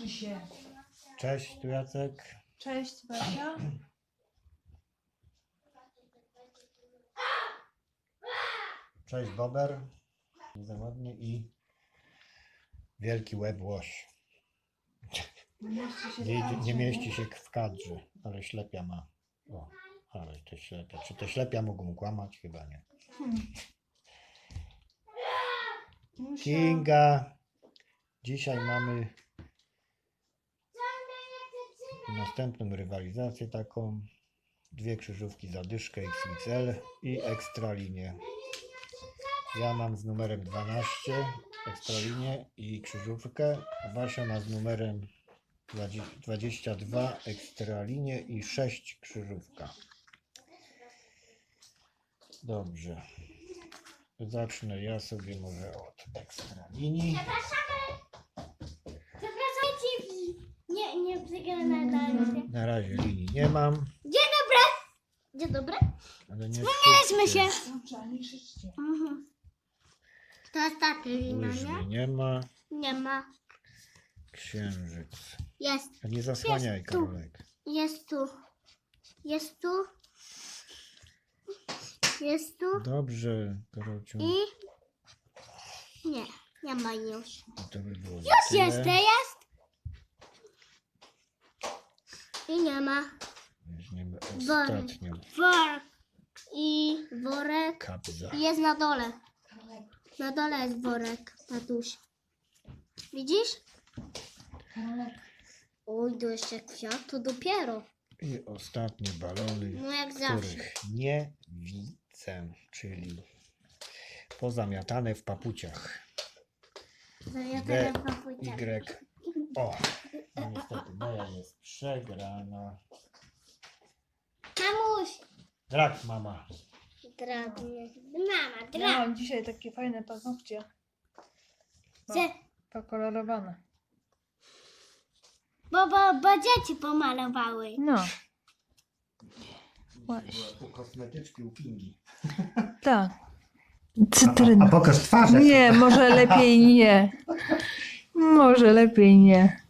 się. Cześć, tu Jacek. Cześć, Basia. Cześć, Bober. Za ładnie i wielki łeb łoś. Nie mieści się w kadrze, ale ślepia ma. O, ale to ślepia. Czy to ślepia mogą kłamać? Chyba nie. Kinga. Dzisiaj mamy następną rywalizację taką. 2 krzyżówki za dyszkę XXL i ekstralinię. Ja mam z numerem 12 ekstralinię i krzyżówkę, a Basia ma z numerem 22 ekstralinię i 6 krzyżówka. Dobrze. Zacznę ja sobie może od ekstralinii. Zapraszajcie nie przegrane. Na razie linii nie mam. Dzień dobry. Ale nie Wspomnieliśmy się. Dobrze, nie krzyczcie. To ostatnia lina, Łyżwy nie? nie ma. Nie ma. Księżyc. Jest. A nie zasłaniaj, Jest tu. Karolek. Jest tu. Jest tu. Jest tu. Dobrze, Karolciu. I... Nie. Nie ma już. To by było Już tyle. jest, jest. I nie ma. Weźmiemy Worek. ostatnią Worek. I worek. kapza. I jest na dole. Na dole jest worek, tatuś. Widzisz? Oj, to jeszcze kwiat, to dopiero. I ostatnie balony, No jak zawsze. których nie widzę, czyli pozamiatane w papuciach. Zamiatane D, papuciami. Y. O, no niestety moja jest przegrana. Mamuś! Drak, mama. Drabnie. Mama, Ja drab. mam dzisiaj takie fajne paznokcie. Chcę, Pokolorowane. bo dzieci pomalowały. No. Właśnie. Kosmetyczki u Kingi. Tak. Cytryna. pokaż twarz. Nie, może lepiej nie. Może lepiej nie.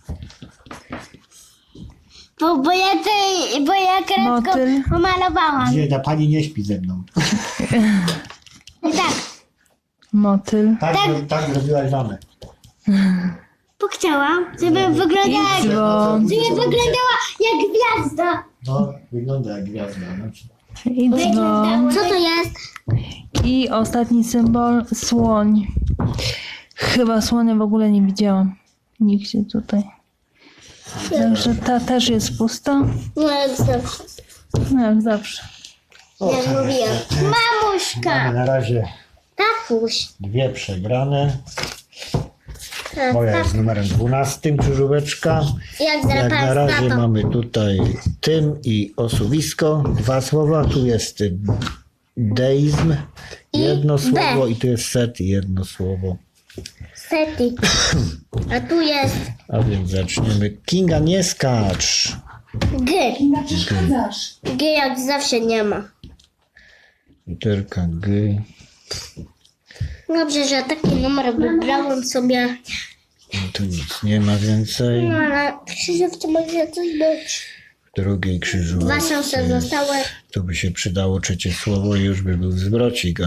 Bo ja kredką Motyl. pomalowałam. Gdzie ta pani nie śpi ze mną. Tak, Motyl. Tak zrobiłaś żonę. bo chciałam, żeby wyglądała Dzwon. jak gwiazda. No, wygląda jak gwiazda. No. I dzwon. Co to jest? I ostatni symbol, słoń. Chyba słonia w ogóle nie widziałam. Nigdzie tutaj. Także ta też jest pusta. No jak zawsze. No jak zawsze. Jak mówiłam. Mamuśka! Mamy na razie Tatuś. 2 przegrane. Moja jest z numerem 12, krzyżóweczka. Jak Jak na zdrapałem razie z tatą. mamy tutaj tym i osuwisko. 2 słowa. Tu jest deizm. Jedno B. słowo i tu jest set. Jedno słowo. Seti. A tu jest A więc zaczniemy. Kinga, nie skacz. G. G jak zawsze nie ma. Literka G. Dobrze, że taki numer wybrałem sobie. No tu nic nie ma więcej. No ale w krzyżówce może coś być. W drugiej 2 krzyżówce szanse zostały. tu by się przydało 3 słowo i już by był zwrocik.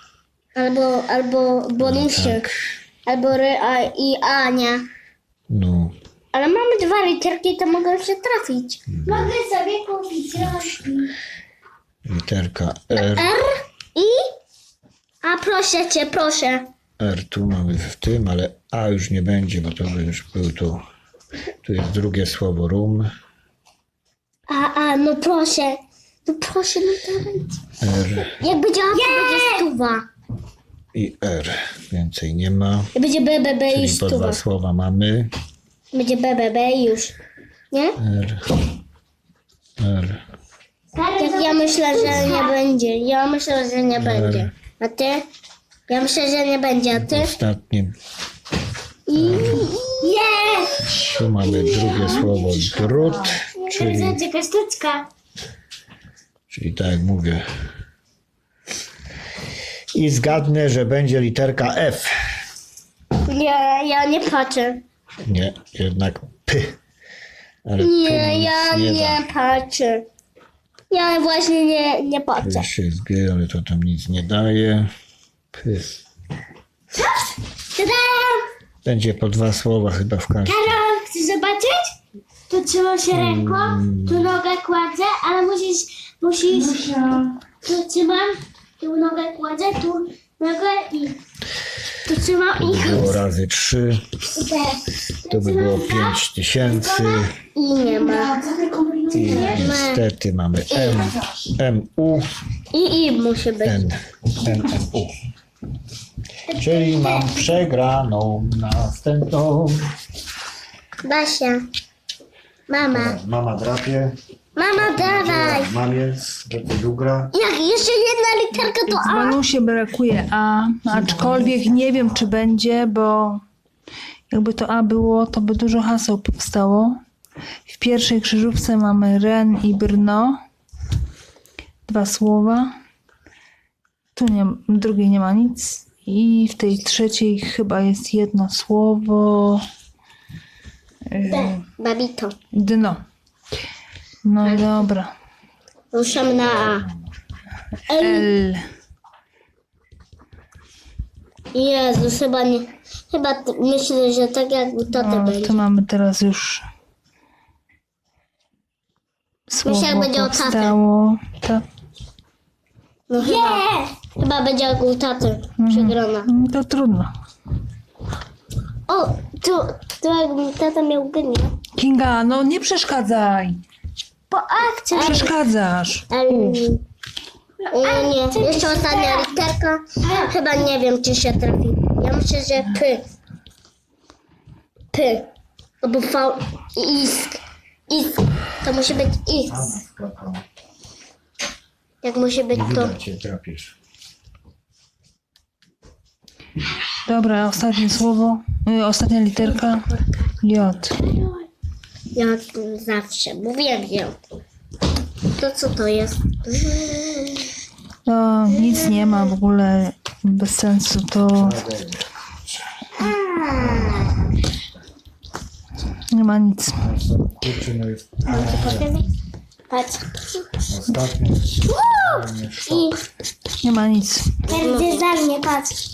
Albo bonusy. Tak. Albo i A, nie. No. Ale mamy 2 literki, to mogą się trafić. Mogę sobie kupić rączki. Literka R. I? A proszę cię, proszę. R tu mamy w tym, ale A już nie będzie, bo to by już był tu. Tu jest drugie słowo rum. No proszę. No proszę, no dawajcie. R Jak będzie A, to będzie stuwa. i R. Więcej nie ma. Jak będzie BBB i Czyli po stuwa. 2 słowa mamy. Będzie BBB i już. Nie? R. R. Ja myślę, że nie będzie. Ja myślę, że nie będzie. A ty? Ja myślę, że nie będzie. A ty? Ostatnie. Jest! Tu mamy drugie słowo drut. Czyli Sztuczka. tak jak mówię. I zgadnę, że będzie literka F. Ja nie patrzę. Nie, jednak P. Ale tu Nie, nic ja nie nie patrzę. Ja właśnie nie da. patrzę. Jeszcze jest G, ale to tam nic nie daje. P. Tada! Będzie po 2 słowa chyba w każdym. Karol, chcesz zobaczyć? Tu trzymam się ręką, tu nogę kładzę, ale musisz, tu trzymam, tu nogę kładzę, tu nogę i tu trzymam To by było razy 3. i teraz. To by było 5000. I nie ma. I niestety mamy M, MU, I musi być. NMU. Czyli mam przegraną następną. Basia. Mama. Mama drapie. Mama, dawaj. Mamie, do drugra. Jak jeszcze jedna literka to W A. bonusie brakuje A, aczkolwiek nie wiem, czy będzie, bo jakby to A było, to by dużo haseł powstało. W pierwszej krzyżówce mamy Ren i Brno. 2 słowa. Tu nie, w drugiej nie ma nic. I w tej trzeciej chyba jest jedno słowo. Babito. Dno. No i dobra. Ruszam na A. L. Jezus, chyba nie. Myślę, że tak jak u taty No, będzie. to mamy teraz już słowo Myślę, jak będzie o taty. powstało. Tak. No chyba będzie jak u taty. Przegrana. To trudno. O, tu jak tata miał genię. Kinga, no nie przeszkadzaj. Po akcji. Przeszkadzasz. Nie, jeszcze ostatnia literka. Chyba nie wiem, czy się trafi. Ja myślę, że P. P. Albo V. Isk. Isk. To musi być X. Jak musi być Nie to. widać cię, trapisz. Dobra, ostatnie słowo. Ostatnia literka. J. Jak zawsze. Mówię, to co to jest? No, nic nie ma w ogóle bez sensu. To nie ma nic. Kurczę, no jest Patrz. ostatnie. I Nie ma nic. będzie za mnie, patrz.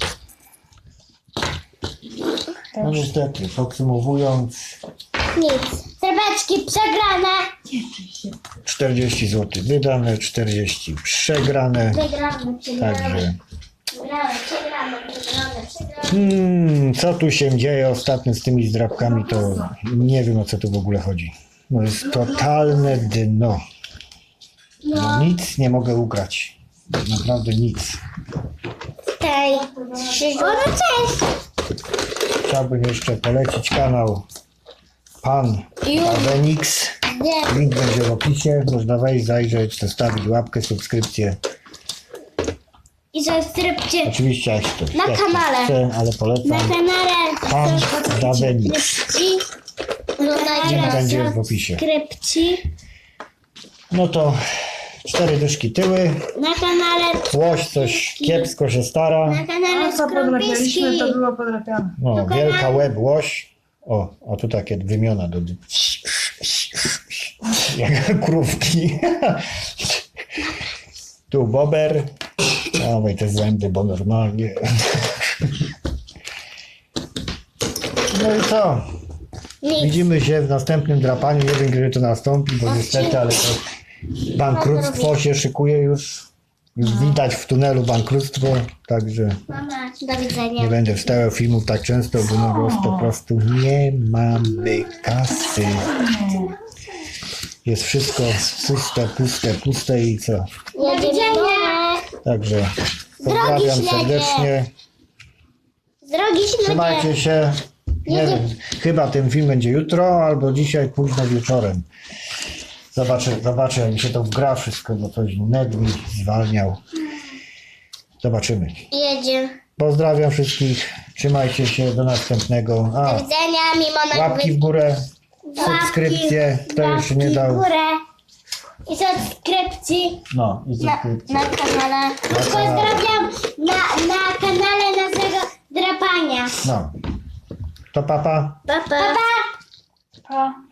No niestety, podsumowując, Nic. Zrebeczki przegrane. 40 zł wydane, 40 przegrane. Przegrane, Także przegrane. co tu się dzieje ostatnio z tymi zdrabkami, to nie wiem, o co tu w ogóle chodzi. No jest totalne dno. No, nic nie mogę ugrać. Naprawdę nic. Tej. No cześć. Chciałbym jeszcze polecić kanał Pan Avenix. Nie. Link będzie w opisie. Można wejść, zajrzeć, zostawić łapkę, subskrypcję. I subskrypcję Oczywiście jak ktoś Na kanale. chce, ale na polecam. kanale. Pan Avenix. I Link będzie w opisie. subskrypcji No to 4 dyszki tyły. na kanale. Łoś coś kiepsko się stara. Na kanale Skrąbiski. było podrapiane. No, wielka łeb łoś. O tu takie wymiona do jak krówki. Tu bober. Dawaj te zęby, bo normalnie. No i co? Nic. Widzimy się w następnym drapaniu. Nie wiem, kiedy to nastąpi, bo niestety, ale to bankructwo się szykuje już. Już widać w tunelu bankructwo, także Mama, do widzenia. nie będę wstawiał filmów tak często, bo no po prostu nie mamy kasy. Jest wszystko puste i co? Do widzenia. Także pozdrawiam śledzie. serdecznie. Drogi śledzie. Trzymajcie się. Nie wiem, chyba ten film będzie jutro albo dzisiaj późno wieczorem. Zobaczę, jak mi się to wgra wszystko, bo coś net mi zwalniał. Zobaczymy. Jedzie. Pozdrawiam wszystkich. Trzymajcie się. Do następnego. Do widzenia, mimo na Łapki w górę. Subskrypcje. Kto jeszcze nie w dał. górę. I subskrypcji No i subskrypcje. na kanale. Pozdrawiam na kanale naszego drapania. No. To papa. Pa, pa. Pa.